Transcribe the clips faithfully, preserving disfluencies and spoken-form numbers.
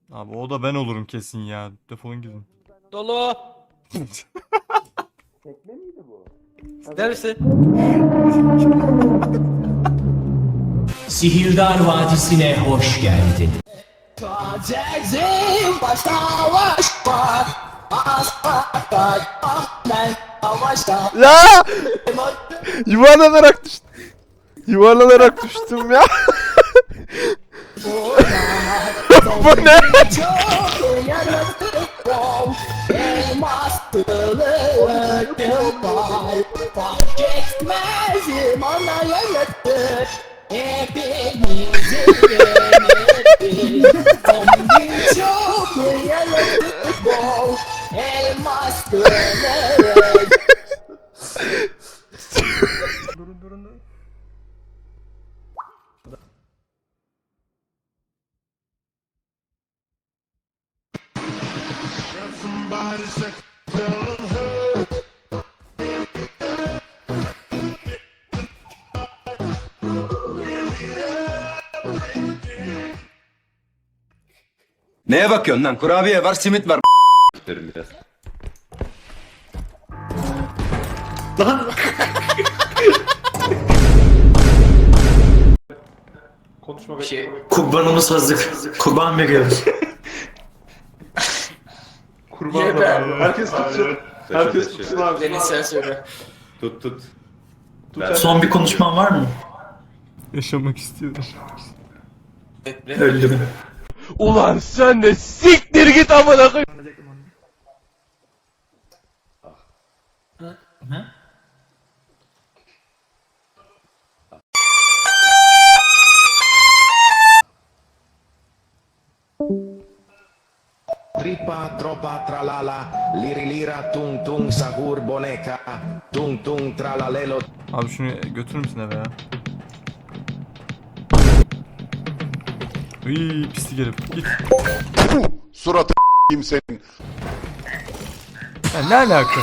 Abi o da ben olurum kesin ya. Defolun gidin. Dolu. Tekme miydi bu? Neresi? Sihirdar Vadisi'ne hoş geldin. Tacizim başta savaş var. Asla ben savaşta. La! Yuvarlanarak düştüm. Yuvarlanarak düştüm ya. Bu ne? Çok yaratık ol. Elmas kılıcım var. Fark etmez bana yaratır. Hepimizi yönetir. Zombi çok yaratık ol. Elmas kılıç. Durun durun durun. Neye bakıyorsun lan? Kurabiye var, simit var. Derim biraz. Konuşma bekle. Şey, kurbanımız hazır. Kurban veriyoruz. Kurban da abi. Herkes tutsun. Herkes tutsun abi. Deniz sen söyle. Tut tut. Son bir konuşman var mı? Yaşamak istiyorum. Öldüm. Ulan sen de siktir git amına koy. Tripa, tropa, tralala, liri lira, tung tung, sahur, boneca, tung tung, tralalelo. Abi şunu götürür müsün eve ya? Iiii pislik herif git. Suratı s**eyim senin. Ya ne alaka?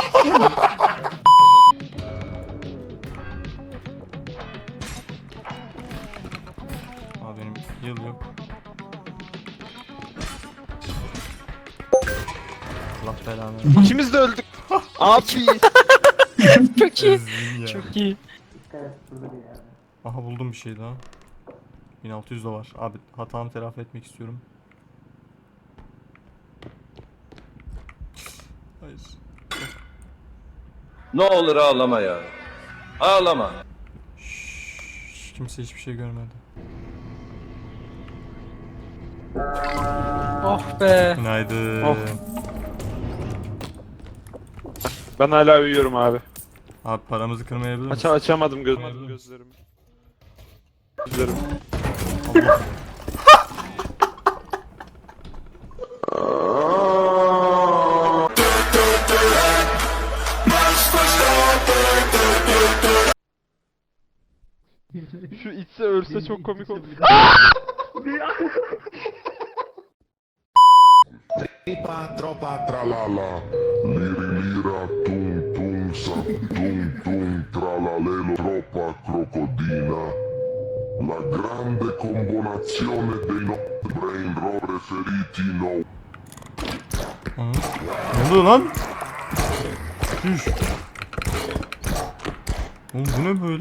Abi benim yıl yok. Allah belanı. İkimiz de öldük. Abi. Çok iyi. Ezdim ya. Çok iyi. Aha buldum bir şey daha. bin altı yüz de var. Abi hatamı telafi etmek istiyorum. Hayır. Ne olur ağlama ya. Ağlama. Şşş, kimse hiçbir şey görmedi. Oh be. Günaydın. Oh. Ben hala uyuyorum abi. Abi paramızı kırmayabilir Aç misin? açamadım gözlerimi. Gözlerimi. Gözlerim. Allah. Şu içse ölse çok komik olur. Tripa, tropa, Tralala, liri lira, tung tung, sa tung tung, tralalelo, troppa crocodina. La grande combinazione dei no brain roll preferiti no. Hı? Ne oluyor lan? Düş. Oğlum bu ne böyle?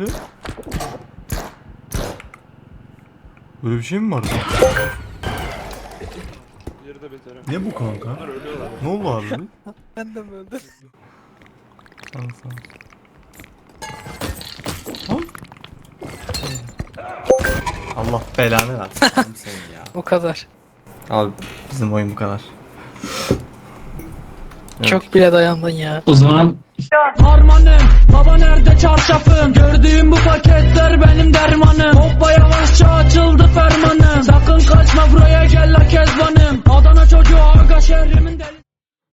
Böyle bir şey mi var? Yeri de beterim. Ne bu kanka? Ne oldu abi? Ben de öldüm. Sağ ol, sağ ol. Lan. Allah belanı versin senin ya. O kadar. Abi bizim oyun bu kadar. Evet. Çok bile dayandın ya. O zaman Harmanım, baba nerede çarşafım? Gördüğüm bu paketler benim dermanım. Hoppaya